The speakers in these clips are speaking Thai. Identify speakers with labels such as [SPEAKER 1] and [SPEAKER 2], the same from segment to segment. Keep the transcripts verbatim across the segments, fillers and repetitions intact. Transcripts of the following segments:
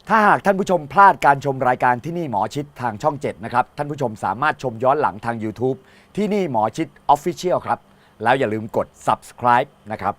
[SPEAKER 1] ถ้าหากท่านผู้ชมพลาดการชมรายการที่นี่หมอชิดทางช่องเจ็ดนะครับท่านผู้ชมสามารถชมย้อนหลังทาง YouTube ที่นี่หมอชิด Official ครับแล้วอย่าลืมกด Subscribe นะครับ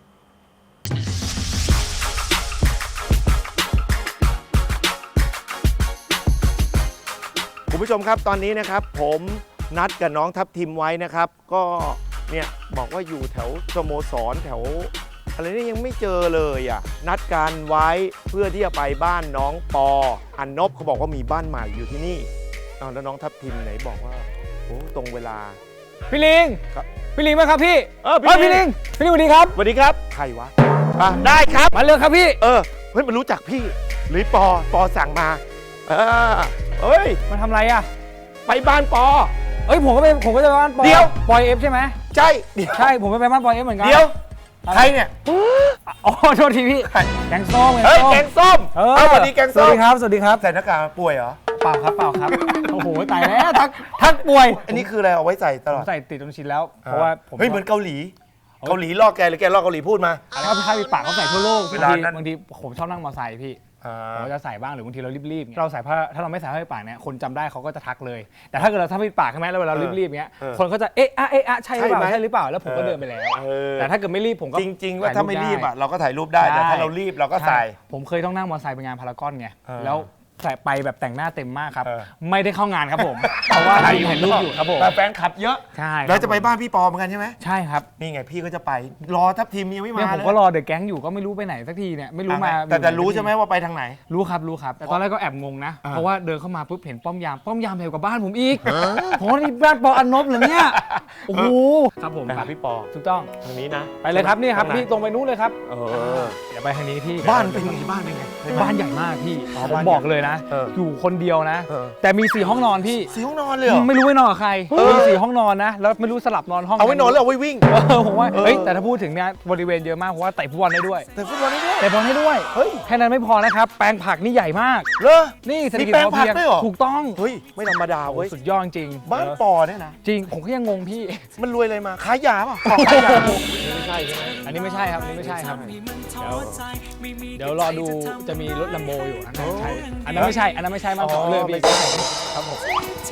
[SPEAKER 2] คุณผู้ชมครับตอนนี้นะครับผมนัดกับน้องทัพทิมไว้นะครับก็เนี่ยบอกว่าอยู่แถวสโมสรแถวอะไรนี่ยังไม่เจอเลยอ่ะนัดกันไว้เพื่อที่จะไปบ้านน้องปออันนบเขาบอกว่ามีบ้านใหม่อยู่ที่นี่อ้าวแล้วน้องทัพทิมไหนบอกว่าโอ้ตรงเวลา
[SPEAKER 3] พี่ลิง
[SPEAKER 2] ครับ
[SPEAKER 3] พี่ลิงมาครับพี่
[SPEAKER 2] เออ
[SPEAKER 3] พี่ลิงพี่ลิงสวัสดีครับ
[SPEAKER 2] สวัสดีครับใครวะอ่ะได้ครับ
[SPEAKER 3] มาเลยครับพี่
[SPEAKER 2] เออเฮ้ยมันรู้จักพี่หรือปอปอสั่งมาเออเอ้ย
[SPEAKER 3] มาทำอะไรอ่ะ
[SPEAKER 2] ไปบ้านปอ
[SPEAKER 3] เอ้ยผมก็ไปผมก็จะไปบ้านปอย
[SPEAKER 2] เดี๋ยว
[SPEAKER 3] ปอยเอฟใช่ไหม
[SPEAKER 2] ใช่เดี๋ยว
[SPEAKER 3] ใช่ผมไปไปบ้านปอยเอฟเหมือนกัน
[SPEAKER 2] เดี๋ยวใครเนี่ย
[SPEAKER 3] อ๋อโทษทีพี่แกงส้ม
[SPEAKER 2] เฮ้ยแกงส้ม
[SPEAKER 3] เออ
[SPEAKER 2] เอาสวัสดีแกง
[SPEAKER 3] ส
[SPEAKER 2] ส้
[SPEAKER 3] วัส
[SPEAKER 2] ม
[SPEAKER 3] ดีครับสวัสดีครับ
[SPEAKER 2] ใส่หน้ากากป่วยเหรอ
[SPEAKER 3] เปล่าครับเปล่าครับโอ้โหตายแล้วทักทักป่วย
[SPEAKER 2] อันนี้คืออะไรเอาไว้ใส่ต
[SPEAKER 3] ผ
[SPEAKER 2] ลอ
[SPEAKER 3] ม
[SPEAKER 2] ด
[SPEAKER 3] ใส่ติดจนชินแล้วเพราะว่าผม
[SPEAKER 2] เฮ้ยเหมือนเกาหลี เกาหลีลอกแกหรือแกลอกเกาหลีพูดมา
[SPEAKER 3] แล้วพี่ข้าพี่ปากเขาใส่ทั่วโลก
[SPEAKER 2] เว
[SPEAKER 3] บาง
[SPEAKER 2] ลา
[SPEAKER 3] ที
[SPEAKER 2] นั้น
[SPEAKER 3] บางทีผมชอบนั่งมอเตอร์ไซค์พี่
[SPEAKER 2] อ่า
[SPEAKER 3] เราจะใส่บ้างหรือบางทีเรารีบๆเงี้ยเราใส่ผ้าถ้าเราไม่ใส่ผ้าปิดปากเนี่ยคนจำได้เขาก็จะทักเลย แต่ถ้าเกิดเราถ้าปิดปากใช่ไหมแล้วเวลาเรารีบๆเงี้ยคนก็จะเอ๊ะอะเอ๊ะอะใช่หรือเปล่าใช่หรือเปล่าแล้วผมก็เดินไปแล้ว
[SPEAKER 2] เออ
[SPEAKER 3] แต่ถ้าเกิดไม่รีบผมก็
[SPEAKER 2] จริง ๆ ว่าถ้าไม่รีบอ่ะ
[SPEAKER 3] ถ่ย
[SPEAKER 2] เราก็ถ่ายรูปได้
[SPEAKER 3] ใช่
[SPEAKER 2] แต่ถ้าเรารีบเราก็ใส่
[SPEAKER 3] ผมเคยต้องนั่งมอเตอร์ไซค์ไปงานพารากอนไง
[SPEAKER 2] เออ
[SPEAKER 3] แล้วใส่ไปแบบแต่งหน้าเต็มมากครับ
[SPEAKER 2] เออ
[SPEAKER 3] ไม่ได้เข้างานครับผม เพราะว่าทีมเห็นรูปอยู่ครับผม
[SPEAKER 2] แต่แฟนคลับเยอะ
[SPEAKER 3] ใช่
[SPEAKER 2] แล้วจะไปบ้านพี่ปอเหมือนกันใช่ไหม
[SPEAKER 3] ใช่ครับ
[SPEAKER 2] นี่ไงพี่ก็จะไปรอทัพทีมยังไม่
[SPEAKER 3] เนี่ย
[SPEAKER 2] มา
[SPEAKER 3] ผม
[SPEAKER 2] เลย
[SPEAKER 3] ก็รอเดอะแก๊งอยู่ก็ไม่รู้ไปไหนสักทีเนี่ยไม่รู้มา
[SPEAKER 2] แต่แต่รู้ใช่ไหมว่าไปทางไหน
[SPEAKER 3] รู้ครับรู้ครับแต่ตอนแรกก็แอบงงนะ
[SPEAKER 2] อ่า
[SPEAKER 3] เพราะว่าเดินเข้ามาปุ๊บเห็นป้อมยามป้อมยามแถวกับบ้านผมอีกโหนี่บ้านปออันนบเหรอเนี่ยโอ้โหครับผม
[SPEAKER 2] ไปหาพี่ปอ
[SPEAKER 3] ถูกต้อง
[SPEAKER 2] ทางนี้นะ
[SPEAKER 3] ไปเลยครับนี่ครับ
[SPEAKER 2] ทางไห
[SPEAKER 3] พี่ตรงไปนู้นเลยครับ
[SPEAKER 2] เออ
[SPEAKER 3] เดี๋ยวไปทางนี้พี่
[SPEAKER 2] บ้านเป็นไงบ้านเป็นไง
[SPEAKER 3] บ้านใหญ่มากพี่
[SPEAKER 2] อ๋อ
[SPEAKER 3] ผม
[SPEAKER 2] บ้าน
[SPEAKER 3] บอก
[SPEAKER 2] ใหญ่
[SPEAKER 3] เลยนะ
[SPEAKER 2] เออ
[SPEAKER 3] อยู่คนเดียวนะ
[SPEAKER 2] เออ
[SPEAKER 3] แต่มีสี่ห้องนอนพี่
[SPEAKER 2] สี่ห้องนอนเลยเหรอ
[SPEAKER 3] ไม่รู้ไว้นอนกับใครมีสี่ห้องนอนนะแล้วไม่รู้สลับนอนห้อง
[SPEAKER 2] เอาไว้นอนแล้วเอาไว้วิ่ง
[SPEAKER 3] เออผมว่า
[SPEAKER 2] เออ
[SPEAKER 3] เฮ้ยแต่ถ้าพูดถึงเนี่ยบริเวณเยอะมากเพราะว่าเตะฟุตบอลได้ด้วย
[SPEAKER 2] แต่ฟุตบอลนี่ด้วย
[SPEAKER 3] เตะบอลให้ด้วย
[SPEAKER 2] เฮ้ย
[SPEAKER 3] แค่นั้นไม่พอนะครับแปลงผักนี่ใหญ่มาก
[SPEAKER 2] เหรอ
[SPEAKER 3] นี่เศรษฐกิจ
[SPEAKER 2] มีแปลง
[SPEAKER 3] พอเพีย
[SPEAKER 2] ผักด้วยเหรอ
[SPEAKER 3] ถูกต้อง
[SPEAKER 2] เฮ้ยไม่ธรรมดาเว้ย
[SPEAKER 3] สุดยอดจริง
[SPEAKER 2] บ้าน
[SPEAKER 3] เออ
[SPEAKER 2] ปอเนี่ยนะ
[SPEAKER 3] จริงผมก็ยังงงพี่
[SPEAKER 2] มันรวยอะไรมาขายยาป่ะของขายยาไม่ใช่ใช่ไหม
[SPEAKER 3] อันนี้ไม่ใช่ครับอันนี้ไม่ใช่ครับเดี๋ยวเดี๋ยวรอดูจะมีรถลัมโบอยู่นะใช่อันนั้นไม่ใช่อันนั้นไม่ใช่มากกว่าเลยพี่ครับผม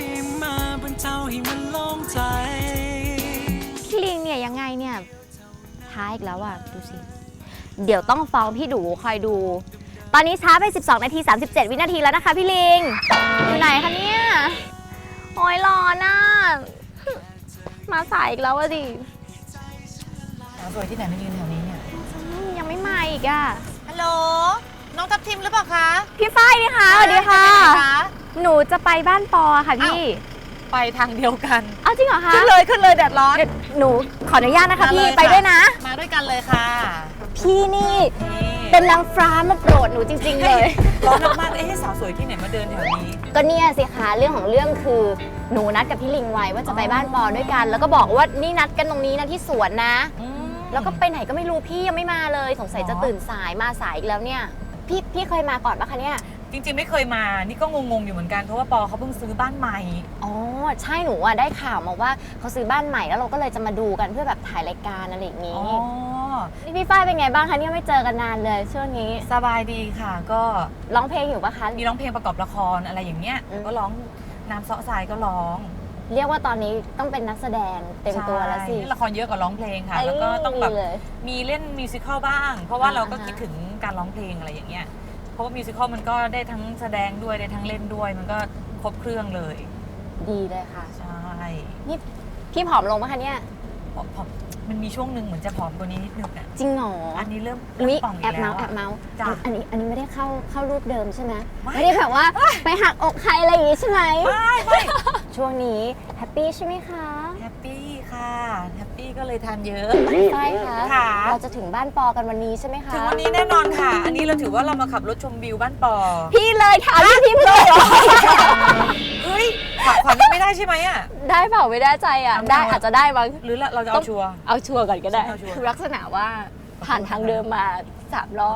[SPEAKER 4] พี่ลิงเนี่ยยังไงเนี่ยช้าอีกแล้วอ่ะดูสิเดี๋ยวต้องฟ้องพี่ดูคอยดู ตอนนี้ช้าไปสิบสองนาทีสามสิบเจ็ดวินาทีแล้วนะคะพี่ลิงอยู่ไหนคะเนี่ยโอ้ยรอน่ะมาสายอีกแล้วอะดิ
[SPEAKER 5] สาวสวยที่ไหนมายืนแถวนี้เนี่ย
[SPEAKER 4] อืมยังไม่มาอีกอ่ะ
[SPEAKER 5] ฮัลโหล น้องทัพทิมหรือเปล่าคะ
[SPEAKER 4] พี่ฝ้ายนี่คะสวัสดีค่ะ
[SPEAKER 5] ไปไหนคะ
[SPEAKER 4] หนูจะไปบ้านปอค่ะพี่
[SPEAKER 5] ไปทางเดียวกัน
[SPEAKER 4] เอาจริงเหรอคะ
[SPEAKER 5] ขึ้นเลยขึ้นเลยแดดร้อน
[SPEAKER 4] เดี๋ยวหนูขออนุญาตนะคะ
[SPEAKER 5] มาเล
[SPEAKER 4] พี่
[SPEAKER 5] ยค่ะ
[SPEAKER 4] ไปด้วยนะ
[SPEAKER 5] มาด้วยกันเลยค่ะ
[SPEAKER 4] พี่นี่
[SPEAKER 5] นี่
[SPEAKER 4] เป็นนางฟ้ามาโปรดหนูจริง ๆ เลย
[SPEAKER 5] ร้อนมากๆเอ๊ะสาวสวยที่ไหนมาเดินแถวนี้
[SPEAKER 4] ก็เนี่ยสิคะเรื่องของเรื่องคือหนูนัดกับพี่ลิงไว้ว่าจะไปบ้านปอด้วยกัน แล้วก็บอกว่านี่นัดกันตรงนี้นะที่สวนนะ แล้วก็ไปไหนก็ไม่รู้พี่ยังไม่มาเลย สงสัยจะตื่นสายมาสายอีกแล้วเนี่ย พี่พี่เคยมาก่อนปะคะเนี่ย
[SPEAKER 5] จริงๆไม่เคยมา นี่ก็งงๆอยู่เหมือนกัน เพราะว่าปอเขาเพิ่งซื้อบ้านใหม่
[SPEAKER 4] อ๋อใช่หนูอ่ะได้ข่าวมาว่าเขาซื้อบ้านใหม่แล้วเราก็เลยจะมาดูกันเพื่อแบบถ่ายรายการอะไรอย่าง
[SPEAKER 5] อ๋
[SPEAKER 4] นี้
[SPEAKER 5] อ
[SPEAKER 4] นี่พี่ฝ้ายเป็นไงบ้างคะเนี่ยไม่เจอกันนานเลยช่วงนี้
[SPEAKER 5] สบายดีค่ะ ก็
[SPEAKER 4] ร้องเพลงอยู่ปะคะ
[SPEAKER 5] มีร้องเพลงประกอบละครอะไรอย่างเงี้ย
[SPEAKER 4] อืม
[SPEAKER 5] ก็ร้องน้ำเสาะทรายก็ร้อง
[SPEAKER 4] เรียกว่าตอนนี้ต้องเป็นนักแสดงเต็มตัวแล้วสิ
[SPEAKER 5] ใช่เล่นละครเยอะกว่าร้องเพลงค่ะ แล้วก็ต้องแบบ
[SPEAKER 4] เลย
[SPEAKER 5] มีเล่นมิวสิควลบ้าง เพราะว่า
[SPEAKER 4] อ่า
[SPEAKER 5] เราก็
[SPEAKER 4] อ่าฮะ
[SPEAKER 5] คิดถึงการร้องเพลงอะไรอย่างเงี้ย เพราะว่ามิวสิควลมันก็ได้ทั้งแสดงด้วยได้ทั้งเล่นด้วย มันก็ครบเครื่องเลย
[SPEAKER 4] ดีเลยค่ะ
[SPEAKER 5] ใช่
[SPEAKER 4] นี่พี่ผอมลงปะคะเนี่ย
[SPEAKER 5] ผอมผอมมันมีช่วงหนึ่งเหมือนจะผอมกว่านี้นิดนึงอ่ะ
[SPEAKER 4] จริงเหรอ
[SPEAKER 5] อันนี้เริ่ม
[SPEAKER 4] อุ๊ย
[SPEAKER 5] เริ่มป่องอี
[SPEAKER 4] แอบ
[SPEAKER 5] กแล้
[SPEAKER 4] เมาว ส์แอ
[SPEAKER 5] อะ
[SPEAKER 4] บเมาส์
[SPEAKER 5] จ้ะ
[SPEAKER 4] อันนี้อันนี้ไม่ได้เข้าเข้ารูปเดิมใช่ไหม
[SPEAKER 5] ไม่
[SPEAKER 4] ไม่ได้แบบว่าไปหักอกใครอะไรอย่างงี้ใช่ไหม
[SPEAKER 5] ไม่ไม่
[SPEAKER 4] ช่วงนี้แฮปปี้ใช่ไหมคะ
[SPEAKER 5] แฮปปี้ค่ะแฮปปี้ก็เลยทานเยอะ
[SPEAKER 4] ใช่ค่ะ
[SPEAKER 5] ค่ะ
[SPEAKER 4] เราจะถึงบ้านปอกันวันนี้ใช่ไหมคะ
[SPEAKER 5] ถึงวันนี้แน่นอนค่ะ อันนี้เราถือว่าเรามาขับรถชมวิวบ้านปอ
[SPEAKER 4] พี่เลยถามพี่พี่เลยเหรอ
[SPEAKER 5] เฮ้ยขวัญขวัญยังไม่ได้ใช่ไหมอ่ะ
[SPEAKER 4] ได้เปล่าไม่ได้ใจอ่ะ
[SPEAKER 5] เอา
[SPEAKER 4] ได้
[SPEAKER 5] เอา
[SPEAKER 4] อาจจะได้บ้าง
[SPEAKER 5] หรือเราจะเอาชัวร์
[SPEAKER 4] เอาชัวร์ก่อนก็ได้
[SPEAKER 5] เอาชัวร์
[SPEAKER 4] คือลักษณะว่าผ่านทางเดิมมาสามรอบ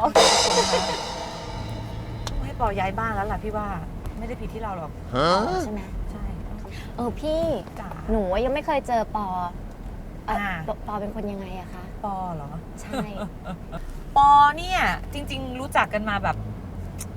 [SPEAKER 5] ให้ปอย้ายบ้านแล้วล่ะพี่ว่าไม่ได้ผิดที่เราหรอก
[SPEAKER 4] ใช่ไหม
[SPEAKER 5] ใช่
[SPEAKER 4] เออพี่
[SPEAKER 5] จ๋า
[SPEAKER 4] หนูยังไม่เคยเจอปอเอ่อ
[SPEAKER 5] อ่า
[SPEAKER 4] ปอปอเป็นคนยังไงอะคะ
[SPEAKER 5] ปอเหรอ
[SPEAKER 4] ใช่
[SPEAKER 5] ปอเนี่ยจริง ๆ รู้จักกันมาแบบ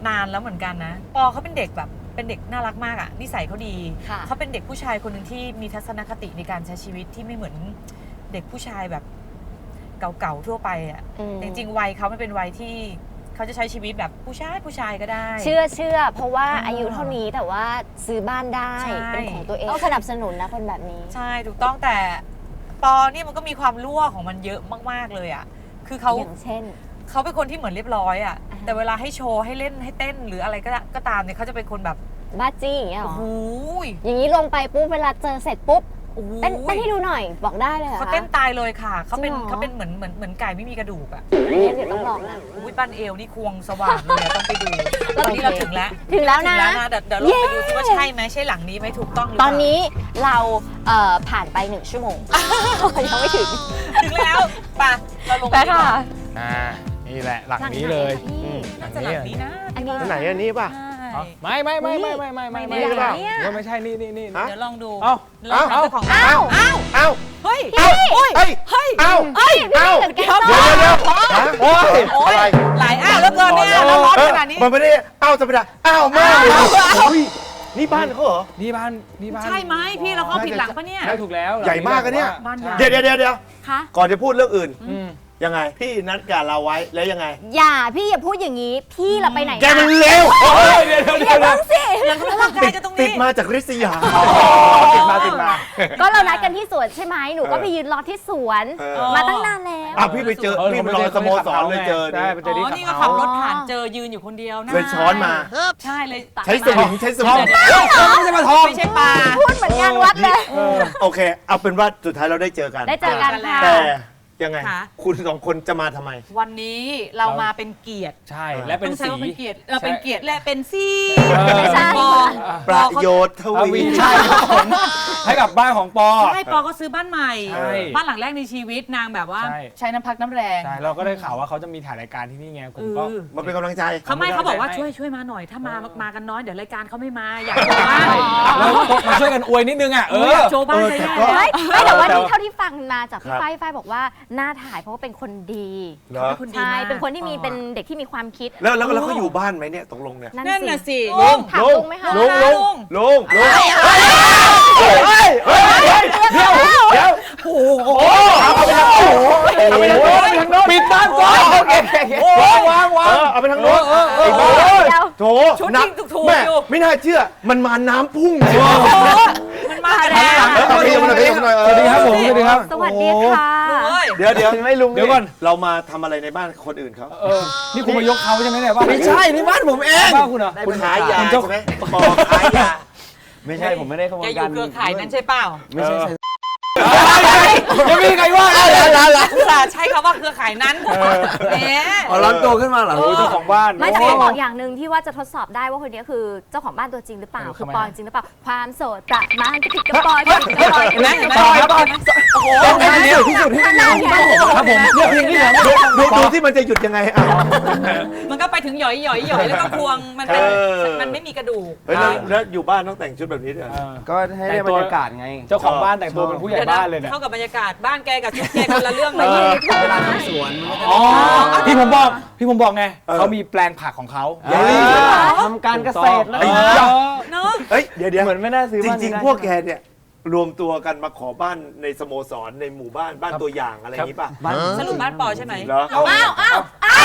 [SPEAKER 5] นานแล้วเหมือนกันนะปอเขาเป็นเด็กแบบเป็นเด็กน่ารักมากอ่ะนิสัยเขาดี
[SPEAKER 4] ค่ะ
[SPEAKER 5] เขาเป็นเด็กผู้ชายคนหนึ่งที่มีทัศนคติในการใช้ชีวิตที่ไม่เหมือนเด็กผู้ชายแบบเก่าๆทั่วไปอ่ะ
[SPEAKER 4] อืม
[SPEAKER 5] จริงๆวัยเขามันเป็นวัยที่เขาจะใช้ชีวิตแบบผู้ชายผู้ชายก็ได้
[SPEAKER 4] เชื่อเชื่อเพราะว่า
[SPEAKER 5] อ่า
[SPEAKER 4] อายุเท่านี้แต่ว่าซื้อบ้านได้
[SPEAKER 5] ใช่
[SPEAKER 4] เป็นของตัวเองต้องสนับสนุนนะคนแบบนี้
[SPEAKER 5] ใช่ถูกต้องแต่ปอเนี่ยมันก็มีความรั่วของมันเยอะมากๆเลยอ่ะคือเขา
[SPEAKER 4] อย่างเช่น
[SPEAKER 5] เขาเป็นคนที่เหมือนเรียบร้อยอ่ะ
[SPEAKER 4] อ่าฮะ
[SPEAKER 5] แต่เวลาให้โชว์ให้เล่นให้เต้นหรืออะไรก็ก็ตามเนี่ยเขาจะเป็นคนแบบ
[SPEAKER 4] บ้าจี้อย่างเงี้ยเหร
[SPEAKER 5] โอ้
[SPEAKER 4] อ
[SPEAKER 5] โหย
[SPEAKER 4] อย่างนี้ลงไปปุ๊บเวลาเจอเสร็จปุ๊บ
[SPEAKER 5] โอ้โห
[SPEAKER 4] เต้นเต้นให้ดูหน่อยบอกได้เลยเหรอ
[SPEAKER 5] เขา
[SPEAKER 4] คะ
[SPEAKER 5] เต้นตายเลยค่ะเขาเป็น
[SPEAKER 4] จริงเหรอ
[SPEAKER 5] เขาเป็นเหมือนเหมือนเหมือนไก่ไม่มีกระดูกอ่ะ
[SPEAKER 4] เนี่ยเดี๋ยวต้องลองนะ
[SPEAKER 5] อุ้ยปั้นเอวนี่ควงสว่างเลยอะต้องไปดูตอนนี้เราถึงแล้ว
[SPEAKER 4] ถึงแล้วนะ
[SPEAKER 5] ถึงแล้วนะเดี๋ยวเดี๋ยวลองไปดูซิว่าใช่ไหมใช่หลังนี้ไหมถูกต้องหรือ
[SPEAKER 4] ต
[SPEAKER 5] เป
[SPEAKER 4] อน
[SPEAKER 5] ล่า
[SPEAKER 4] นี้เราเอ่อผ่านไปหนึ่งชั่วโมง ยังไม่ถึง
[SPEAKER 5] ถึงแล้วไปะเราลง
[SPEAKER 4] ไปค่ะ
[SPEAKER 3] อ่านี่แหละหลังนี้เลย
[SPEAKER 4] หลังไหนคะพี่
[SPEAKER 5] น่าจะหลังนี้นะ
[SPEAKER 4] อันนี้
[SPEAKER 2] อันไหนอันนี้ป่ะ
[SPEAKER 5] ใช่
[SPEAKER 3] ไม่ไม่ไม่ไม่ไม่ไม่ไม่
[SPEAKER 5] ไม่
[SPEAKER 3] ไม่
[SPEAKER 5] ได้
[SPEAKER 3] ไม่
[SPEAKER 5] เนี่ย
[SPEAKER 3] ว่าไม่ใช่นี่นี่นี่
[SPEAKER 2] ฮะ
[SPEAKER 5] เดี๋ยวลองดู
[SPEAKER 3] เอ้า
[SPEAKER 5] ลองถามเจ้าของบ้าน
[SPEAKER 4] เอ้า
[SPEAKER 5] อ้าว
[SPEAKER 2] เอ้า
[SPEAKER 5] เฮ้ย
[SPEAKER 2] เอ้าเฮ้ย
[SPEAKER 5] เฮ้ย
[SPEAKER 2] เอ้า
[SPEAKER 5] เฮ้ย
[SPEAKER 2] เอ้า
[SPEAKER 4] เหมือนแกง
[SPEAKER 2] เดี๋ยว
[SPEAKER 4] ส้ม
[SPEAKER 2] เดี๋ยวฮะโอ้ย
[SPEAKER 5] โอ้ย
[SPEAKER 2] อะไร
[SPEAKER 5] หลายอ้าวแล้วเกินเนี่ยแล้วร้อนขนาดนี้
[SPEAKER 2] มันไม่ได้เอ้าธรรมดาเอ้าแม่โอ้ยนี่บ้านเขาเหรอ
[SPEAKER 3] นี่บ้านนี่บ้าน
[SPEAKER 5] ใช่ไหมพี่เราเข้าผิดหลังปะเนี่ย
[SPEAKER 3] ได้ถูกแล้ว
[SPEAKER 2] ใหญ่มากอะเนี่ย
[SPEAKER 5] บ้านใหญ่
[SPEAKER 2] เดี๋ยวเดี๋ยวเดี๋ยวเดี๋ยว
[SPEAKER 4] คะ
[SPEAKER 2] ก่อนจะพูดเรื่องอื่น
[SPEAKER 3] อืม
[SPEAKER 2] ยังไง พี่นัดกับเราไว้แล้วยังไง
[SPEAKER 4] อย่าพี่อย่าพูดอย่างนี้ พี่เราไปไหน
[SPEAKER 2] แกมันเร็ว
[SPEAKER 3] เฮ้ยเดี๋ยวเดี๋ยว
[SPEAKER 4] อ
[SPEAKER 3] เดี๋
[SPEAKER 4] ย่า
[SPEAKER 3] ยว
[SPEAKER 4] เพิ่งสิ
[SPEAKER 5] เราก็ร่างกายกันตรง
[SPEAKER 2] ติด
[SPEAKER 5] นี้
[SPEAKER 2] มาจากริษยาติดมาติดมา
[SPEAKER 4] ก็เรานัดกันที่สวนใช่ไหมหนูก็
[SPEAKER 2] เออ
[SPEAKER 4] ไปยืนรอที่สวน
[SPEAKER 2] เออ
[SPEAKER 4] มาตั้งนานแล้ว
[SPEAKER 2] อ่ะพี่ไปเจอพี่ไปรอสโมสรเลยเจอ
[SPEAKER 3] ได้ไปเจ
[SPEAKER 5] อ๋
[SPEAKER 3] อที่
[SPEAKER 5] อ
[SPEAKER 3] ขับ
[SPEAKER 5] นี่ก็
[SPEAKER 3] เฮา
[SPEAKER 5] ขับ
[SPEAKER 3] ส์
[SPEAKER 5] รถผ่านเจอยืนอยู่คนเดียวนะ
[SPEAKER 2] เลยช้อนมา
[SPEAKER 5] ใช่เลย
[SPEAKER 2] ใช้สวิงใช้สวิง
[SPEAKER 3] ไม่ใช่มาทอง
[SPEAKER 5] ไม่ใช่ปลา
[SPEAKER 4] พูดเหมือนงานวัดเลย
[SPEAKER 2] โอเค เอาเป็นว่าสุดท้ายเราได้เจอกัน
[SPEAKER 4] ได้เจอกันค่ะ
[SPEAKER 2] แต่ยังไง
[SPEAKER 5] ค่ะ
[SPEAKER 2] คุณสองคนจะมาทำไม
[SPEAKER 5] วันนี้เรามาเป็นเกียรติ
[SPEAKER 3] ใช่และเป็น
[SPEAKER 5] ต้องใช้
[SPEAKER 3] สี
[SPEAKER 5] ว่าเป็นเกียรติเออเป็นเกียรติและเป็นซี
[SPEAKER 3] เออ
[SPEAKER 4] ไม่ใช่
[SPEAKER 5] ปอ
[SPEAKER 2] ประโยชน์ท
[SPEAKER 3] ท
[SPEAKER 2] วี
[SPEAKER 3] วีใช่ครับผมให้กับบ้านของปอ
[SPEAKER 5] ใช่ปอก็ซื้อบ้านใหม่
[SPEAKER 3] ใช่
[SPEAKER 5] บ้านหลังแรกในชีวิตนางแบบว่า
[SPEAKER 3] ใช่
[SPEAKER 5] ใช้น้ำพักน้ำแรง
[SPEAKER 3] ใช่เราก็ได้ข่าวว่าเขาจะมีถ่ายรายการที่นี่ไงผมก็
[SPEAKER 5] เออ
[SPEAKER 2] มาเป็นกำลังใจ
[SPEAKER 5] เขาไม่
[SPEAKER 3] ไม่ได้
[SPEAKER 5] เขาบอกว่า
[SPEAKER 3] ให้
[SPEAKER 5] ช่วยช่วยมาหน่อยถ้ามามากันน้อยเดี๋ยวรายการเขาไม่มาอยากโชว์บ้าน
[SPEAKER 3] แล้วมาช่วยกันอวยนิดนึงอ่ะเอ
[SPEAKER 5] เออ
[SPEAKER 3] อ
[SPEAKER 5] อยากโชว์บ้าน
[SPEAKER 2] เออ
[SPEAKER 5] ใช่
[SPEAKER 2] แต่
[SPEAKER 5] ไหม
[SPEAKER 2] ก็
[SPEAKER 4] ไม่ไม่แต่ว่า
[SPEAKER 3] แต่
[SPEAKER 4] นี่
[SPEAKER 3] ว่า
[SPEAKER 4] เท่าที่ฟังมาจากพี่
[SPEAKER 2] ครับ
[SPEAKER 4] ฝ้ายฝ้ายบอกว่าหน้าถ่ายเพราะว่าเป็นคนดี
[SPEAKER 2] เหรอ
[SPEAKER 5] คุณดี
[SPEAKER 4] ใช่
[SPEAKER 5] มาก
[SPEAKER 4] เป็นคนที่มีเป็นเด็กที่มีความคิด
[SPEAKER 2] แล้วแล้วแล้วเขาอยู่บ้านไหมเนี่ยตกลงเนี่ย
[SPEAKER 5] นั่นน่ะสิ
[SPEAKER 4] ลุงถามลุงไหมคะ
[SPEAKER 2] ลุงลุง
[SPEAKER 5] ลุง
[SPEAKER 2] ลุงลุงเฮ้ยเฮ้ยเฮ้ยเดี๋ยวเดี๋ยวโอ้โหเอาไปทางโอ้โหเอาไปทางโน้นทางโน้น
[SPEAKER 3] ปิดบ้านก่อนโอเคโอ้วางวาง
[SPEAKER 2] เออเอาไปทางโน้น
[SPEAKER 3] เออเออ
[SPEAKER 2] ไอ้บ้า
[SPEAKER 4] เดี๋ยว
[SPEAKER 2] โถ
[SPEAKER 5] ชุด
[SPEAKER 2] นั
[SPEAKER 5] ยิงถูกๆ
[SPEAKER 2] แม่
[SPEAKER 5] อยู่
[SPEAKER 2] ไม่น่าเชื่อมันมาน้ำพุ่งเลย
[SPEAKER 5] โอ้โหมันมากันแล้ว
[SPEAKER 2] เออเอาไปเอาไปเอาไป
[SPEAKER 3] สวัสดีครับผมสวัสดีครับ
[SPEAKER 4] สวัสดีค่ะ
[SPEAKER 5] เฮ้ย
[SPEAKER 2] เดี๋ยวเดี๋ยวไม่ลุง
[SPEAKER 3] เดี๋ยวก่อน
[SPEAKER 2] เรามาทำอะไรในบ้านคนอื่นเขา
[SPEAKER 3] เออนี่คุณมายกเขาใช่ไหมเนี่ยบ้าน
[SPEAKER 2] ไม่ใช่นี่บ้านผมเอง
[SPEAKER 3] บ้านคุณเหรอ
[SPEAKER 2] คุณขายยา
[SPEAKER 3] คุณเจ้า
[SPEAKER 2] ใช่ไหมปอขายยา
[SPEAKER 6] ไม่ใช่ผมไม่ได้ขโม
[SPEAKER 5] แก
[SPEAKER 6] ย
[SPEAKER 5] อ
[SPEAKER 6] กั
[SPEAKER 5] ยู่
[SPEAKER 6] น
[SPEAKER 5] เครือข่ายนั้นใช่เปล่า
[SPEAKER 6] ไม่ใช่
[SPEAKER 3] ยังไม่มีใครว่าเลย
[SPEAKER 5] อุตส่าห์ใช้คำว่าเครือข่ายนั้นแหม
[SPEAKER 6] อ๋อร้อนตัวขึ้นมาเหรอ
[SPEAKER 5] เออ
[SPEAKER 3] เจ้าของบ้าน
[SPEAKER 4] ไม่แต่เขาบอกอย่างหนึ่งที่ว่าจะทดสอบได้ว่าคนนี้คือเจ้าของบ้านตัวจริงหรือเปล่า
[SPEAKER 3] เออ
[SPEAKER 4] คือ
[SPEAKER 3] ทำไม
[SPEAKER 4] ปอยจริงหรือเปล่า ความโสดประมาณกระปิดกระปอยกระปิดกระปอย
[SPEAKER 5] เห็นไหมเห็นไหม
[SPEAKER 3] ปอยปอย
[SPEAKER 5] โอ้โห
[SPEAKER 3] เดี๋ยวที่สุดที่นี่ครับผมเลือกเพลงนี้เหรอ
[SPEAKER 2] ดูดูดูที่มันจะหยุดยังไงอ่ะ
[SPEAKER 5] มันก็ไปถึงหย่อยหย่อยหย่อยแล้วก็ควงมันเป็น
[SPEAKER 2] เออ
[SPEAKER 5] มันไม่มีกระดูก
[SPEAKER 2] เฮ้ยแล้วแล้วอยู่บ้านต้องแต่งชุดแบบนี้ด้วย
[SPEAKER 3] เออ
[SPEAKER 6] ก็ให้ได้บรรยากาศไง
[SPEAKER 3] เจ้าของบ้านแต่งตัวเป็นผู้ใหญ่บ้านเลยเนี่ย
[SPEAKER 5] เข้ากับบรรยากาศบ้านแกกับชุดแกคนละเรื่องเล
[SPEAKER 6] เอย อ
[SPEAKER 5] เ
[SPEAKER 6] เวลาทำสวนมันก็จะ
[SPEAKER 3] อ๋อพี่ผมบอกพี่ผมบอกไง
[SPEAKER 2] เออ
[SPEAKER 3] เขามีแปลงผักของเขา
[SPEAKER 6] เออทำการเกษตรแล้ว
[SPEAKER 2] ไอ้
[SPEAKER 3] เอ
[SPEAKER 2] เจ้า
[SPEAKER 3] อ
[SPEAKER 5] นอะ
[SPEAKER 2] เฮ้ยเดี๋ยวเดี๋ยว
[SPEAKER 6] เหมือนไม่น่าซื้อ
[SPEAKER 2] จ
[SPEAKER 6] บ้าน
[SPEAKER 2] ริง
[SPEAKER 6] นี้ได้
[SPEAKER 2] ๆ พวกแกเนี่ยรวมตัวกันมาขอบ้านในสโมสรในหมู่บ้านบ้านตัวอย่างอะไรอย่างนี้ป่ะ
[SPEAKER 6] บ้าน
[SPEAKER 5] สรุปบ้านปอใช่ไหม
[SPEAKER 2] เหรอ
[SPEAKER 5] อ้าวอ้าวอ้าว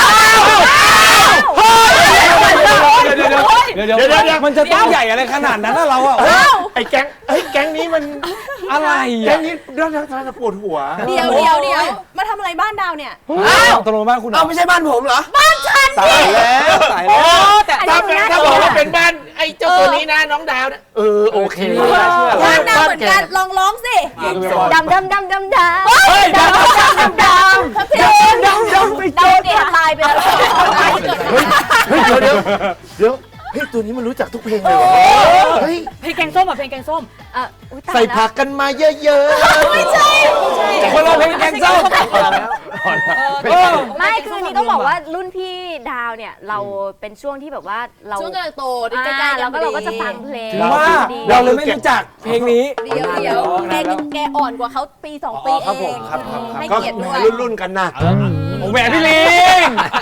[SPEAKER 3] เดี๋ยวเดี๋ยวเดี๋ยวเดี๋ยวเดี๋ยวมันจะต้องใหญ่อะไรขนาดนั้นนะเราอ่ะ
[SPEAKER 2] ไอ้แก๊งไอ้ยแก๊งนี้มัน
[SPEAKER 3] อะไร
[SPEAKER 2] แก๊
[SPEAKER 3] อ่ะ
[SPEAKER 2] งนี้เรื่องทางจะปวดหัว
[SPEAKER 7] เดี๋ยวเดี๋ยวเดี๋ยวมาทำอะไรบ้านดาวเนี่ย
[SPEAKER 3] อ้าวตกลงบ้านคุณเหร
[SPEAKER 6] เอา
[SPEAKER 3] อ
[SPEAKER 6] ไม่ใช่บ้านผมเหรอ
[SPEAKER 3] ตายแล้วตายแล้ว
[SPEAKER 5] แต่
[SPEAKER 2] ถ้าเป็นถ้าบอกว่าเป็นบ้านไอ้เจ้าตัวนี้นะน้องดาวเนี่ยเออโอเค
[SPEAKER 7] บ้านดาวเหมือนกันลองร้องสิ
[SPEAKER 4] ดำดำดำดำดำ
[SPEAKER 3] เฮ้ยเดี๋ยว
[SPEAKER 4] ดำดำ
[SPEAKER 7] ทัพทิม
[SPEAKER 4] ดำดำไปดำเด็กตายไปแล้ว
[SPEAKER 2] เฮ้ยเฮ้ยเดี๋ยวเดี๋ยวเดี๋ยวเฮ้ยตัวนี้มันรู้จักทุกเพลงเลยเหรอเฮ้ย
[SPEAKER 5] เพลงแกงส้มอ่ะเพลงแกงส้ม
[SPEAKER 4] เอออุ๊ยตาย
[SPEAKER 2] ใส่
[SPEAKER 4] แล้ว
[SPEAKER 2] ผักกันมาเยอะๆไม่ใช่
[SPEAKER 3] คนละเพลงแกงส้ม
[SPEAKER 5] เออ
[SPEAKER 4] ไม่คืออันนี้ต้องบอกว่ารุ่นพี่ดาวเนี่ยเราเป็นช่วงที่แบบว่าเรา
[SPEAKER 7] ช่วงกำลังโตใก
[SPEAKER 4] อ่า
[SPEAKER 7] ล้ๆกั
[SPEAKER 4] แล้
[SPEAKER 7] น
[SPEAKER 4] วก็เราก็จะฟังเพลง
[SPEAKER 3] ถึงว่า
[SPEAKER 4] ดี
[SPEAKER 3] เราเลยไม่รู้จักเพลงนี้
[SPEAKER 7] เดี๋ยวเดี๋ยวแกแกอ่อนกว่าเขาปีสองปี
[SPEAKER 2] อ๋อครับ
[SPEAKER 7] เอ
[SPEAKER 2] ผม
[SPEAKER 7] ง
[SPEAKER 2] ครับครับครับ
[SPEAKER 7] ให้
[SPEAKER 2] ก็
[SPEAKER 7] เกียรติ
[SPEAKER 2] แห
[SPEAKER 7] ด้
[SPEAKER 2] ม
[SPEAKER 7] วย
[SPEAKER 2] รุ่นรุ่นๆกันนะ
[SPEAKER 3] โอ้แหมพี่ลิง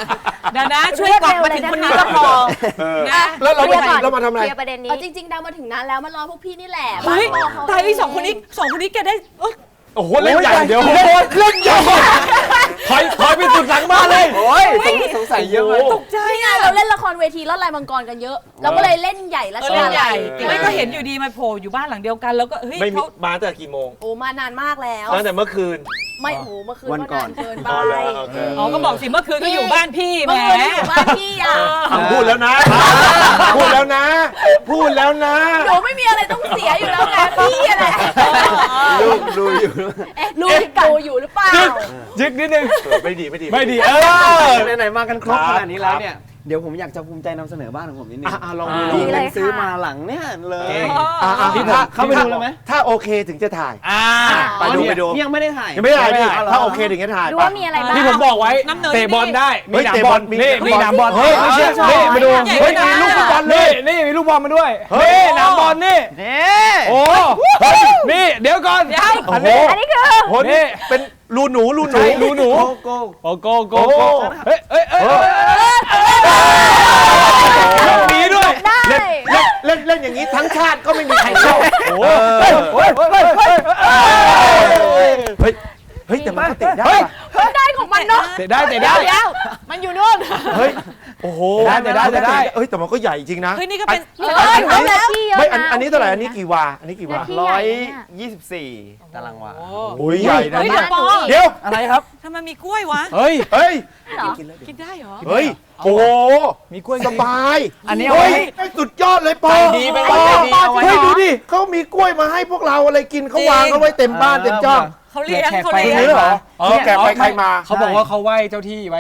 [SPEAKER 5] เดี๋ยวนะช่วยกลับมาถึงคนนี้ก็พอ
[SPEAKER 2] เออ
[SPEAKER 5] นะ
[SPEAKER 2] แล้วเรา
[SPEAKER 4] เคลียร์ก่อน
[SPEAKER 2] เรามาทำอะไร
[SPEAKER 4] เคลียร์ประเด็นนี้
[SPEAKER 7] เอาจริงๆดาวมาถึงนานแล้วมันรอพวกพี่นี่แหละ
[SPEAKER 5] เฮ้ย
[SPEAKER 7] บ้านพ่อเขา
[SPEAKER 5] ตายไอ้สองคนนี้สองคนนี้แกได้เอ้ย
[SPEAKER 2] โอ้โหเล่นใหญ่เดี๋ยวเล่นใหญ่ถอยถอยไปสุดหลังบ้านเลย
[SPEAKER 6] โอ้ยสงสัยเยอะเลย
[SPEAKER 5] ตกใจ
[SPEAKER 7] นี่ไงเราเล่นละครเวทีลอดลายมังกรกันเยอะ เราก็เลยเล่นใหญ่และ
[SPEAKER 5] เออ
[SPEAKER 7] ช
[SPEAKER 5] เล่
[SPEAKER 7] อน บ
[SPEAKER 5] ใหญ่
[SPEAKER 2] เออ
[SPEAKER 5] ไม่ก็เห็นอยู่ดีมาโผล่อยู่บ้านหลังเดียวกัน แล้วก็เฮ้ย
[SPEAKER 2] ไม่มี
[SPEAKER 5] เขา
[SPEAKER 2] มาตั้งแต่กี่โมง
[SPEAKER 7] โอ้มานานมากแล้ว
[SPEAKER 2] ตั้งแต่เมื่อคืน
[SPEAKER 7] ไม่โอ้โหเมื่อคืน
[SPEAKER 6] วันก่อน
[SPEAKER 7] านเกินไป
[SPEAKER 2] อ๋อเหรอโอเค
[SPEAKER 5] อ๋อก็บอกสิเมื่อคืนก็อยู่บ้านพี่แหม
[SPEAKER 7] เมื่อคืนอยู่บ้านพี่อ่ะ
[SPEAKER 2] อ่ะพูดแล้วนะ พูดแล้วนะ พูดแล้วนะ
[SPEAKER 7] หนูไม่มีอะไรต้องเสียอยู่แล้วไงพี่อะไร
[SPEAKER 6] ลูกดูอยู่
[SPEAKER 7] เอ๊ะลูกดูอยู่หรือเปล่า
[SPEAKER 3] ยึกนิดนึง
[SPEAKER 2] เออไม่ดีไม่ดี
[SPEAKER 3] ไม่ดีเออ
[SPEAKER 6] ไหนๆมากันครบ
[SPEAKER 2] ครับ
[SPEAKER 6] ขนาดนี้แล้วเนี่ย เดี๋ยวผมอยากจะภูมิใจนำเสนอบ้านของผมนิดนึง
[SPEAKER 2] อ่ะอ่ะลองดู
[SPEAKER 6] ที่
[SPEAKER 4] ดีเลย
[SPEAKER 6] เพิ่งซื้อ
[SPEAKER 4] ค่ะ
[SPEAKER 6] มาหลังเนี่ยเลย
[SPEAKER 2] อ่ะอ่ะ
[SPEAKER 6] ที่
[SPEAKER 2] ถ้า
[SPEAKER 6] เข้าไปดูเลยไหม
[SPEAKER 2] ถ้าโอเคถึงจะถ่าย
[SPEAKER 3] อ่า
[SPEAKER 2] ไปดูไปดู
[SPEAKER 6] นี่ยังไม่ได้ถ่าย
[SPEAKER 2] ยังไม่ได้ถ่ายดิ
[SPEAKER 3] ไม่ได้
[SPEAKER 2] ถ้าโอเคถึงจะถ่าย
[SPEAKER 4] ดูว่ามีอะไรบ้าง
[SPEAKER 3] ที่ผมบอกไว้
[SPEAKER 5] น้ำเนย
[SPEAKER 3] เตะบอลได้
[SPEAKER 2] เฮ้ย
[SPEAKER 3] หนาม
[SPEAKER 2] เตะ
[SPEAKER 3] บบ อ
[SPEAKER 2] อ
[SPEAKER 3] ล
[SPEAKER 2] ลมี
[SPEAKER 3] นี่
[SPEAKER 2] มี
[SPEAKER 3] มีหนามบอล
[SPEAKER 2] เฮ้ยไม่เชื่อ
[SPEAKER 3] นี่มาดู
[SPEAKER 5] ใหญ่
[SPEAKER 2] เฮ้ย
[SPEAKER 5] นะ
[SPEAKER 2] มีลูกฟุตบอลเล
[SPEAKER 3] นี่
[SPEAKER 2] ย
[SPEAKER 3] นี่มีลูกบอลมาด้วย
[SPEAKER 2] เฮ้ย
[SPEAKER 3] นี่หนามบอลนี่
[SPEAKER 6] นี่
[SPEAKER 3] โอ้นี่เดี๋ยวก่อน
[SPEAKER 2] โอ้โห
[SPEAKER 4] อันนี้คือ
[SPEAKER 2] โหนี่เป็นรูหนูรูหนู
[SPEAKER 3] ใช่รูหนู
[SPEAKER 6] โกโก้
[SPEAKER 3] โอ้โกโก
[SPEAKER 2] โอ้
[SPEAKER 3] โกเฮ้ยเฮ้ยเฮ้ยยกหนีด้วย
[SPEAKER 4] ได้
[SPEAKER 2] เล่นเล่นเล่นอย่างนี้ทั้งชาติก็ไม่มีใครเข้า
[SPEAKER 3] โอ้เฮ้ยเฮ้ยเฮ้ยเฮ้ย
[SPEAKER 2] เฮ้ยเฮ้ยแต่มันก็เตะได้
[SPEAKER 3] เฮ้ย
[SPEAKER 2] ว่ะ
[SPEAKER 7] ได้ของมันเนาะ
[SPEAKER 3] เตะได้เตะได้
[SPEAKER 7] เดี๋ยวมันอยู่นู่น
[SPEAKER 2] เฮ้ยโอ้โห
[SPEAKER 3] ได้แต่ได้แต่ได้
[SPEAKER 2] เอ้ยแต่มันก็ใหญ่จริงนะ
[SPEAKER 5] เฮ้ยนี่ก็เป็น
[SPEAKER 7] เอออยู่แล้ว
[SPEAKER 4] ที่เยอะ
[SPEAKER 2] ไม่อัน
[SPEAKER 4] นะ
[SPEAKER 2] อันนี้เท่าไหร่อันนี้กี่วาอันนี้กี่วา
[SPEAKER 4] ที่
[SPEAKER 6] ร้
[SPEAKER 4] ให
[SPEAKER 6] อ
[SPEAKER 4] ญ่
[SPEAKER 6] ย
[SPEAKER 4] เนี่ย
[SPEAKER 6] ยี่สิบสี่ตารางวา
[SPEAKER 2] โอ้ยใหญ่นะ
[SPEAKER 5] เฮ้ย
[SPEAKER 2] เนี่
[SPEAKER 5] เดี๋ย
[SPEAKER 2] ยว
[SPEAKER 5] ปอ
[SPEAKER 2] เดี๋ยว
[SPEAKER 6] อะไรครับ
[SPEAKER 5] ทำไมมีกล้วยวะ
[SPEAKER 3] เฮ้ย
[SPEAKER 2] เฮ้ย
[SPEAKER 4] เหรอ
[SPEAKER 5] กินได้เหรอ
[SPEAKER 2] เฮ้ยโอ้โห
[SPEAKER 3] มีกล้วย
[SPEAKER 2] สบาย
[SPEAKER 6] อันนี้เอา
[SPEAKER 2] เฮ้
[SPEAKER 6] ไว้
[SPEAKER 2] ยสุดยอดเลยปอ
[SPEAKER 6] ไปดีไป
[SPEAKER 2] ปอ
[SPEAKER 6] ดีเอาไว้
[SPEAKER 2] เฮ้ยดูดิเขามีกล้วยมาให้พวกเราอะไรกินเขาวางเอาไว้เต็มบ้านเต็มช่อง
[SPEAKER 5] เขาเลี้ยง
[SPEAKER 3] แขก
[SPEAKER 5] เขา
[SPEAKER 3] ไป
[SPEAKER 5] เลี้ยง
[SPEAKER 2] จริงเหรอเออแกไปใครมา
[SPEAKER 3] เขาบอกว่าเขาไหว้เจ้าที่ไว้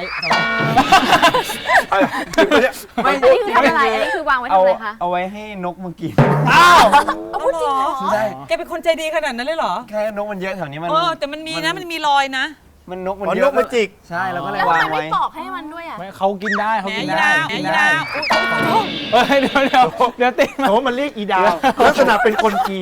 [SPEAKER 6] ไม่
[SPEAKER 4] อันนี้คือทำอะไร อันนี้คือวางไว้ทำ
[SPEAKER 6] เอา
[SPEAKER 4] อะไรคะ
[SPEAKER 6] เอาไว้ให้นกมากิน
[SPEAKER 3] อ้าว
[SPEAKER 5] เอาพูดจริงเหรอ
[SPEAKER 6] ใช่
[SPEAKER 5] แกเป็นคนใจดีขนาดนั้นเลยเหรอ
[SPEAKER 6] แค่นกมันเยอะแถวนี้มัน
[SPEAKER 5] เออแต่มันมีนะมันมีรอยนะ
[SPEAKER 6] มันนกมัน
[SPEAKER 2] อ๋อ
[SPEAKER 6] เย
[SPEAKER 2] น
[SPEAKER 6] อะ
[SPEAKER 2] กมันจิก
[SPEAKER 6] ใช่แล้วก็เลย
[SPEAKER 7] แล้วทำ
[SPEAKER 6] วาง
[SPEAKER 7] ไมไม่
[SPEAKER 6] ไว้
[SPEAKER 7] ปอกให้มันด้วยอ่ะ
[SPEAKER 3] ไม่เขากินได้เขา
[SPEAKER 5] แหม
[SPEAKER 3] กิน
[SPEAKER 5] อี
[SPEAKER 3] ได้
[SPEAKER 5] ดาว
[SPEAKER 3] กิน
[SPEAKER 5] อี
[SPEAKER 3] ได้
[SPEAKER 5] ดาวอุ๊ยอุ๊ยอุ๊ย
[SPEAKER 3] เฮ้ยเดี๋ยวเดี๋ยวเดี๋ยวติดมา
[SPEAKER 2] โอ้มันเรียกอีดาวลักษณะเป็นคนจีน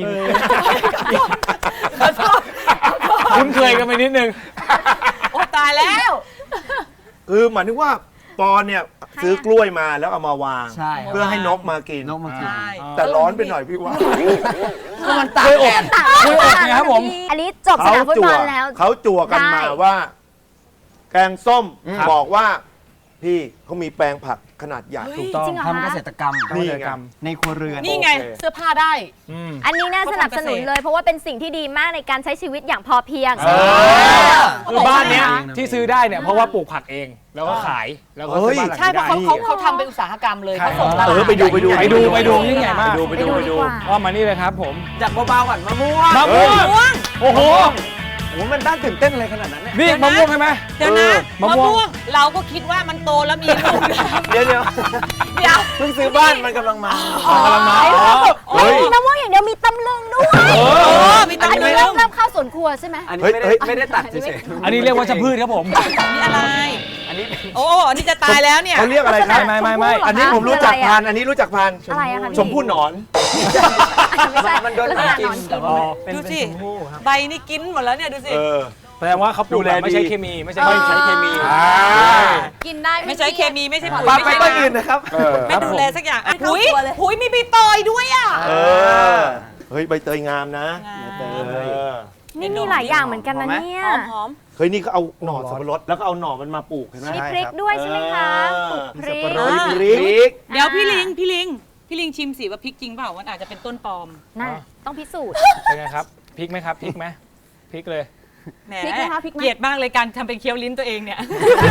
[SPEAKER 3] คุ้นเคยกันไปนิดนึง
[SPEAKER 5] โอ้ตายแล้ว
[SPEAKER 2] คือหมายถึงว่าปอนเนี่ยซื้อกล้วยมาแล้วเอามาวาง
[SPEAKER 6] ใช่ครับ
[SPEAKER 2] เพื่อให้นกมากิน
[SPEAKER 6] นกมากิน
[SPEAKER 5] ใช่
[SPEAKER 2] แต่ร้อนไปหน่อยพี่ว่า
[SPEAKER 6] มันตากแดด
[SPEAKER 3] กล้วยอบไงครับผม
[SPEAKER 4] อันนี้จบสนามฟุตบอลแล้ว
[SPEAKER 2] เขาจั่วกันมา
[SPEAKER 4] ได้
[SPEAKER 2] ว่า แกงส้ม
[SPEAKER 6] อืม
[SPEAKER 2] บอกว่า พี่เขามีแปลงผักขนาดใหญ่
[SPEAKER 3] ถูกต้อง
[SPEAKER 4] จริงเหรอ
[SPEAKER 6] ทำเกษตรกรรม
[SPEAKER 2] นี่ไง
[SPEAKER 6] ในครัวเรือน
[SPEAKER 5] นี่ไง
[SPEAKER 2] โอเค
[SPEAKER 5] เสื้อผ้าได้
[SPEAKER 3] อืม
[SPEAKER 4] อันนี้น่าสนับสนุนเลย เพราะว่าเป็นสิ่งที่ดีมากในการใช้ชีวิตอย่างพอเพียง
[SPEAKER 3] เออ คือบ้านเนี้ย
[SPEAKER 6] ใช่
[SPEAKER 3] ที่ซื้อได้เนี่ยเพราะว่าปลูกผักเอง แล้วก็ขายแล้วก็ซื้อบ้านหลัง
[SPEAKER 5] ใช่
[SPEAKER 3] นี้
[SPEAKER 5] เพราะ
[SPEAKER 3] ได้
[SPEAKER 5] เขาเขาเขาทำเป็นอุตสาหกรรมเลย
[SPEAKER 3] ใช่
[SPEAKER 5] เขาส่งตลาด
[SPEAKER 2] เออไปดูไปดู
[SPEAKER 3] ไปดูไปดูยิ่งใหญ่มาก
[SPEAKER 2] ไปดูไปดูไปดู
[SPEAKER 3] ว่ามานี่เลยครับผม
[SPEAKER 6] จากเบาๆก่อนมะม่วง
[SPEAKER 3] มะม่วง
[SPEAKER 5] ม่วง
[SPEAKER 3] โอ้โห
[SPEAKER 6] โอ้โหมันน่าตื่นเต้นอะไรขนาดนั้นเนี่ย
[SPEAKER 3] นี่
[SPEAKER 5] เดี๋ยวนะ
[SPEAKER 3] มะม่วงใช่ไหม
[SPEAKER 5] เดี๋ยวนะ
[SPEAKER 3] เออมะ
[SPEAKER 5] มะ
[SPEAKER 3] ม่วง
[SPEAKER 5] ม่วงเราก็คิดว่ามันโตแล้วมีลูกแล้ว
[SPEAKER 6] เดี๋ยวเดี๋ยว
[SPEAKER 5] เดี๋ยว
[SPEAKER 6] เพิ่งซื้อบ้านมันกำลังมา
[SPEAKER 3] กำลังมา
[SPEAKER 4] ไม่ได้มีมะม่วงอย่างเดียวมีตำลึงด้วย
[SPEAKER 3] เอ
[SPEAKER 5] โอ้
[SPEAKER 3] อ
[SPEAKER 5] มี
[SPEAKER 4] อั
[SPEAKER 5] ตาน
[SPEAKER 4] นี้
[SPEAKER 5] เรื่
[SPEAKER 4] เริ่
[SPEAKER 5] อ
[SPEAKER 4] มเริ่มเข้าสวนครัวใช่ไหม
[SPEAKER 6] อันนี้ไม่ได้
[SPEAKER 2] เฮ้ย
[SPEAKER 6] ไม่ได้ตัดเฉยๆ
[SPEAKER 3] อันนี้เรียกว่าชะพืชครับผม
[SPEAKER 5] นี่อะไร
[SPEAKER 6] อันนี้เป็น
[SPEAKER 5] โอ้อันนี้จะตายแล้วเนี่ย
[SPEAKER 2] เขาเรียกอะไรครับ
[SPEAKER 3] ไม่ไม่ไม่
[SPEAKER 2] อันนี้ผมรู้จักพันธุ์อันนี้รู้จักพันธุ์
[SPEAKER 4] อะไรอะคะพี่
[SPEAKER 2] ชมพู่หนอน
[SPEAKER 4] ไม่ใช่
[SPEAKER 6] มันโดน
[SPEAKER 4] ลักษณะ
[SPEAKER 6] กิ
[SPEAKER 4] นอน น
[SPEAKER 6] แต่
[SPEAKER 4] กิน
[SPEAKER 6] ว่าเป็น
[SPEAKER 5] ดู
[SPEAKER 6] เป็น
[SPEAKER 5] สิ
[SPEAKER 6] ชมพู่ครับ
[SPEAKER 5] ใบนี่กินหมดแล้วเนี่ยดูสิ
[SPEAKER 2] เออ
[SPEAKER 3] แสดงว่าเขาปลูก
[SPEAKER 2] ดูแล
[SPEAKER 3] แบบไม่ใช้
[SPEAKER 2] ดี
[SPEAKER 3] เคมีไม่ใช่
[SPEAKER 2] ไม่ใช้เคมี
[SPEAKER 3] อ่า
[SPEAKER 7] กินได้
[SPEAKER 5] ไม่ใช้เคมีไม่ใช่ปุ๋ย
[SPEAKER 6] ปา
[SPEAKER 5] ไม่
[SPEAKER 6] ไป
[SPEAKER 5] ใช่
[SPEAKER 6] ต้นอื่นนะครับ
[SPEAKER 2] เออ
[SPEAKER 5] ไม่ดูแลสักอย่างอ่ะ
[SPEAKER 7] เข้า
[SPEAKER 5] หุย
[SPEAKER 7] ครัวเลย
[SPEAKER 5] หุยมีใบตอยด้วยอ่ะ
[SPEAKER 2] เออ เฮ้ยใบเตยงามนะ
[SPEAKER 5] งาม
[SPEAKER 2] เออ
[SPEAKER 4] นี่มีหลายอย่างเหมือนกันนะเนี่ย
[SPEAKER 5] หอมหอม
[SPEAKER 2] เฮ้ยนี่เขาเอาหน่อสับปะรดแล้วก็เอาหน่อมันมาปลูกเห็นไหม
[SPEAKER 4] มีพริกด้วยใช่ไหมคะปลูกพริก
[SPEAKER 2] สับปะรด
[SPEAKER 5] อ่า
[SPEAKER 2] พริก
[SPEAKER 5] เดี๋ยวพี่ลิงพี่ลิงพี่ลิงชิมสิว่าพริกจริงเปล่ามันอาจจะเป็นต้นปลอม
[SPEAKER 4] น่ะต้องพิสูจน์
[SPEAKER 3] เป็นไงครับพริกไหมครับพริกไหมพริกเลย
[SPEAKER 5] แหม
[SPEAKER 7] พริกไหมคะพริกไหม
[SPEAKER 5] เกลียดมากเลยการทำเป็นเคี้ยวลิ้นตัวเองเนี่ย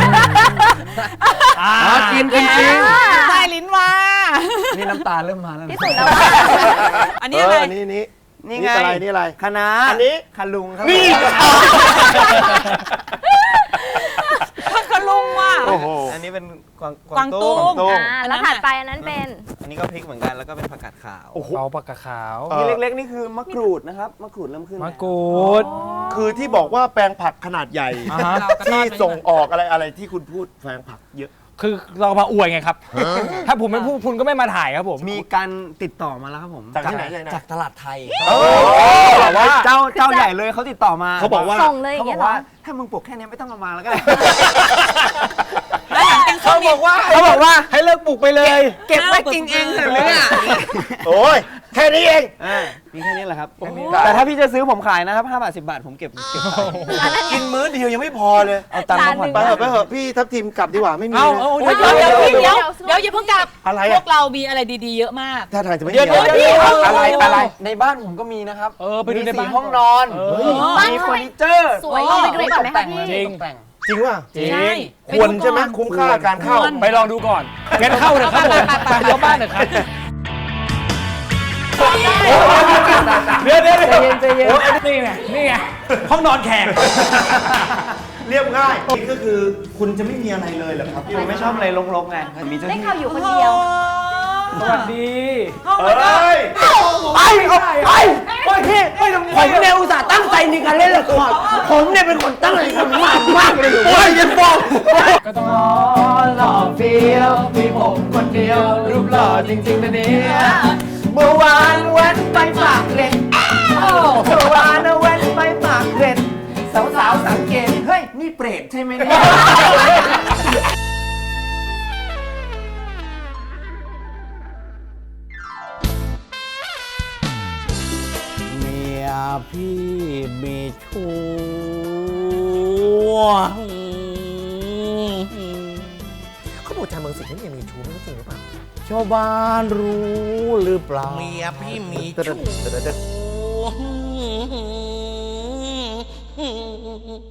[SPEAKER 3] อ่า
[SPEAKER 6] กินจริง
[SPEAKER 5] ใต้ลิ้นมา
[SPEAKER 6] ๆนี่น้ำตาเริ่มมาแล้ว
[SPEAKER 4] พิสูจน์แล้วว่า
[SPEAKER 5] อันนี้อะไร
[SPEAKER 2] เนี่นี่
[SPEAKER 6] นี่ไง
[SPEAKER 2] อะไรนี่อะไร
[SPEAKER 6] คณะ
[SPEAKER 2] อันนี้
[SPEAKER 6] คาลุงครับ
[SPEAKER 2] นี่
[SPEAKER 5] พักลุงว่ะ
[SPEAKER 2] โอ้โห
[SPEAKER 6] อันนี้เป็นกวาง
[SPEAKER 5] กวางตุ้ง
[SPEAKER 2] กวางตุ้ง
[SPEAKER 4] อ่าแล้วถัดไปอันนั้นเป็น
[SPEAKER 6] อันนี้ก็พริกเหมือนกันแล้วก็เป็นผักกาดขาว
[SPEAKER 2] โอ้โห
[SPEAKER 3] เอาปากกาขาว
[SPEAKER 2] เออ
[SPEAKER 6] นี่เล็กๆนี่คือมะกรูดนะครับมะกรูดเริ่มขึ้น
[SPEAKER 3] มะ
[SPEAKER 6] แล้ว
[SPEAKER 3] กรูด
[SPEAKER 2] คือที่บอกว่าแปลงผักขนาดใหญ่
[SPEAKER 3] อ่าฮะ
[SPEAKER 5] เราก็ทอ
[SPEAKER 2] ที่
[SPEAKER 5] ดไป
[SPEAKER 2] ส่งออกอะไรอะไรที่คุณพูดแปลงผักเยอะ
[SPEAKER 3] คือเรามาอวยไงครับ ถ้าผมไม่พูดคุณก็ไม่มาถ่ายครับผม
[SPEAKER 6] มีการติดต่อมาแล้วครับผม
[SPEAKER 2] จากที่ไหนจากไหน
[SPEAKER 6] จากตลาดไทย
[SPEAKER 2] โอ้แต่ว่า
[SPEAKER 6] เจ้าเจ้าใหญ่เลยเขาติดต่อมา
[SPEAKER 2] เขาบอกว่า
[SPEAKER 4] ส่งเลยอ
[SPEAKER 6] เขา
[SPEAKER 4] ย่าง
[SPEAKER 6] บอ
[SPEAKER 4] เงี้ยเหรอ
[SPEAKER 6] กว่าถ้ามึงปลูกแค่นี้ไม่ต้องเอามาแล้วก็ได้
[SPEAKER 5] แล้วหลังจาก
[SPEAKER 6] เขาบอกว่า
[SPEAKER 3] เขาบอกว่าให้เลิกปลูกไปเลย
[SPEAKER 6] เก็บไว้กินเองเหรอเนี่ย
[SPEAKER 2] โอ้ยแค่นี้เอง
[SPEAKER 6] อ่ามีแค่นี้แหละครับ แต่ถ้าพี่จะซื้อผมขายนะครับห้าบาทสิบบาทผมเก็บเก็บขาย
[SPEAKER 2] กินมื้อเดียวยังไม่พอเลย
[SPEAKER 6] เอาตังค์มาผ่อน
[SPEAKER 2] ไปเถอะไปเถอะพี่ทัพทีมกลับดีกว่าไม่มี
[SPEAKER 3] เอา
[SPEAKER 2] นะ
[SPEAKER 3] เอา
[SPEAKER 5] เดี๋ยวเดี๋ยวเดี๋ยวเดี๋ยวอย่าเพิ่งกลับ
[SPEAKER 2] อะไร
[SPEAKER 5] พ
[SPEAKER 2] อะ
[SPEAKER 5] วกเรามีอะไรดีๆเยอะมาก
[SPEAKER 2] ถ้าทางจะไม่มี
[SPEAKER 6] เดี๋ยวเดี๋ยว
[SPEAKER 2] อะไร
[SPEAKER 6] เดี๋ยว
[SPEAKER 2] อะไรอะไร
[SPEAKER 6] ในบ้านผมก็มีนะครับ
[SPEAKER 3] เออไปดูใน
[SPEAKER 6] มี
[SPEAKER 3] บ้าน
[SPEAKER 6] สี่ห้องนอน
[SPEAKER 3] เออ
[SPEAKER 6] มีเฟอร์นิเจอร์
[SPEAKER 4] สวยลองไปดูก่อนไหมคะพี่
[SPEAKER 3] จริง
[SPEAKER 6] ตกแต่ง
[SPEAKER 2] จริงว่ะ
[SPEAKER 3] จริง
[SPEAKER 5] ใช่
[SPEAKER 2] ควรใช่ไหมคุ้มค่าการเข้า
[SPEAKER 5] ควร
[SPEAKER 3] ไปลองดูก่อนงั้นเข้าเถอะครับผมไปยกบ้านเถอะครับเดี๋ยวเดี๋ยวเดี๋ยว
[SPEAKER 6] ใจเย็นใจเย็น
[SPEAKER 3] โอ้นี่ไงนี่ไงห้องนอนแขก
[SPEAKER 2] เรียบง่ายนี่ก็คือคุณจะไม่มีอะไรเลยเหรอครับ
[SPEAKER 6] ผมไม่ชอบอะไรรกๆไงผมมีเจ้า
[SPEAKER 4] ได้
[SPEAKER 6] ที่
[SPEAKER 4] ข่าวอยู่คนเดียว
[SPEAKER 3] สวัสดี
[SPEAKER 2] เอ้ย
[SPEAKER 6] ไปเอาไปโอ้ยพี่ไม่ต้องผมเนี่ยอุตส่าห์ตั้งใจในการเล่นละครผมเนี่ยเป็นคนตั้งใจทำมากมากเลยโอ้ยยังบอก
[SPEAKER 3] ก็ต้อง
[SPEAKER 6] หล่อเฟี้ยวมีผมคนเดียวรูปหล่อจริงๆนะเนี่ยเมื่อวานแว้นไปปากเกร็ดเมื่อวานนะแว้นไปปากเกร็ดสาวๆสังเกตเฮ้ยนี่เปรตใช่ไหมเนี่ย เมียพี่มีชู้เขาบอกชาวเมืองสิงห์นี่มีชู้ไม่รู้จริงหรือเปล่าชาวบ้านรู้หรือเปล่าเมียพี่มีชู้